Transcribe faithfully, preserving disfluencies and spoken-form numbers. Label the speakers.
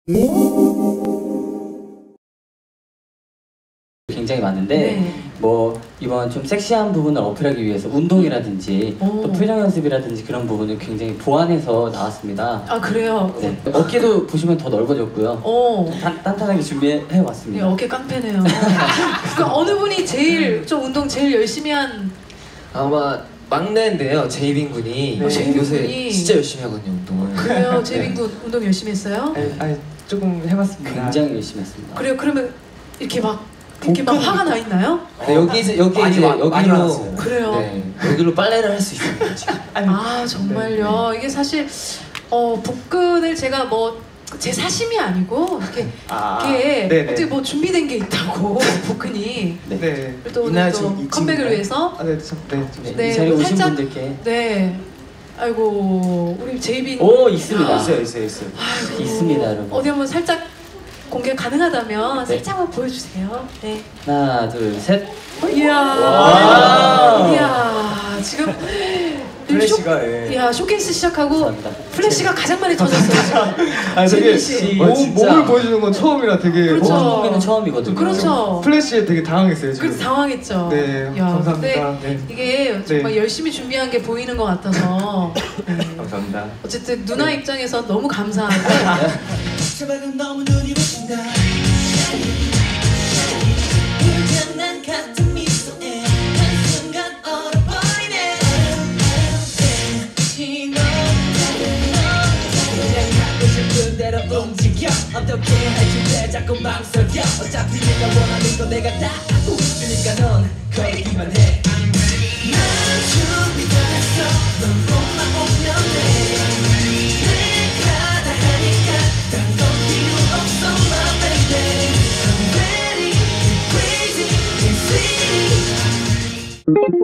Speaker 1: 굉장히 많은데
Speaker 2: 네.
Speaker 1: 뭐 이번 좀 섹시한 부분을 어필하기 위해서 운동이라든지
Speaker 2: 오.
Speaker 1: 또 표정 연습이라든지 그런 부분을 굉장히 보완해서 나왔습니다.
Speaker 2: 아 그래요?
Speaker 1: 네. 어깨도 보시면 더 넓어졌고요.
Speaker 2: 오.
Speaker 1: 단, 단단하게 준비해
Speaker 2: 네,
Speaker 1: 왔습니다.
Speaker 2: 어깨 깡패네요. 그러니까 어느 분이 제일 좀 운동 제일 열심히 한?
Speaker 3: 아마 막내인데요, 제이빈 군이.
Speaker 2: 네. 제이빈
Speaker 3: 요새
Speaker 2: 군이.
Speaker 3: 진짜 열심히 하거든요, 운동을.
Speaker 2: 그래요? 제이빈 군 운동 열심히 했어요?
Speaker 4: 아니, 아니 조금 해봤습니다.
Speaker 1: 굉장히 열심히 했습니다.
Speaker 2: 그래요? 그러면 이렇게 막 이렇게 막 화가 나 있나요?
Speaker 3: 네, 여기 이제 여기
Speaker 4: 많이
Speaker 3: 이제
Speaker 4: 와- 많이
Speaker 3: 여기로
Speaker 4: 많았어요.
Speaker 2: 그래요?
Speaker 3: 네, 여기로 빨래를 할 수 있습니다. 지금.
Speaker 2: 아 정말요? 이게 사실 어 복근을 제가 뭐 제 사심이 아니고 이렇게
Speaker 4: 아,
Speaker 2: 이게
Speaker 4: 네네.
Speaker 2: 어떻게 뭐 준비된 게 있다고 복근이
Speaker 1: 네.
Speaker 4: 네.
Speaker 2: 또 오늘
Speaker 4: 이날
Speaker 2: 또
Speaker 4: 좀 이
Speaker 2: 컴백을
Speaker 4: 친구가-
Speaker 2: 위해서
Speaker 4: 아, 네, 참, 네, 좀.
Speaker 1: 네,
Speaker 2: 네,
Speaker 1: 이 자리에
Speaker 2: 뭐
Speaker 1: 오신
Speaker 2: 살짝-
Speaker 1: 분들께
Speaker 2: 네. 아이고 우리 제이빈
Speaker 1: 오 있습니다.
Speaker 4: 있어요, 있어요, 있어요.
Speaker 2: 아이고,
Speaker 1: 있습니다, 여러분.
Speaker 2: 어디 한번 살짝 공개 가능하다면
Speaker 1: 네.
Speaker 2: 살짝만 보여주세요. 네.
Speaker 1: 하나 둘 셋.
Speaker 2: 이야.
Speaker 1: 와우.
Speaker 2: 이야. 지금
Speaker 4: 플래시가,
Speaker 2: 쇼,
Speaker 4: 예.
Speaker 2: 이야 쇼케이스 시작하고
Speaker 1: 감사합니다.
Speaker 2: 플래시가 가장 많이 터졌어요 지금.
Speaker 4: 아니 되게
Speaker 2: 재민 씨.
Speaker 4: 몸,
Speaker 3: 진짜.
Speaker 4: 몸을 보여주는 건 처음이라 되게
Speaker 2: 그렇죠.
Speaker 4: 어,
Speaker 1: 공기는 처음이거든요.
Speaker 2: 그렇죠.
Speaker 4: 플래시에 되게 당황했어요 지금.
Speaker 2: 그래서 당황했죠.
Speaker 4: 네,
Speaker 2: 야,
Speaker 4: 감사합니다.
Speaker 2: 근데
Speaker 4: 네.
Speaker 2: 이게 정말
Speaker 4: 네.
Speaker 2: 열심히 준비한 게 보이는 것 같아서 네.
Speaker 4: 감사합니다.
Speaker 2: 어쨌든 누나
Speaker 4: 네.
Speaker 2: 입장에서 너무 감사하고
Speaker 5: 제발은 너무 눈이 부신다 불장난 같은 미소에 한순간 얼어버리네 신호 그냥 하고 싶은 대로 움직여 어떻게 할지 자꾸 망설여 어차피 내가 원하는 거 내가 다 해주니까 넌 거기만 해 난 준비 다 했어 넌 몸만 오면 돼 내가 다 하니까 딴 건 필요 없어 my baby I'm ready, crazy, and sweet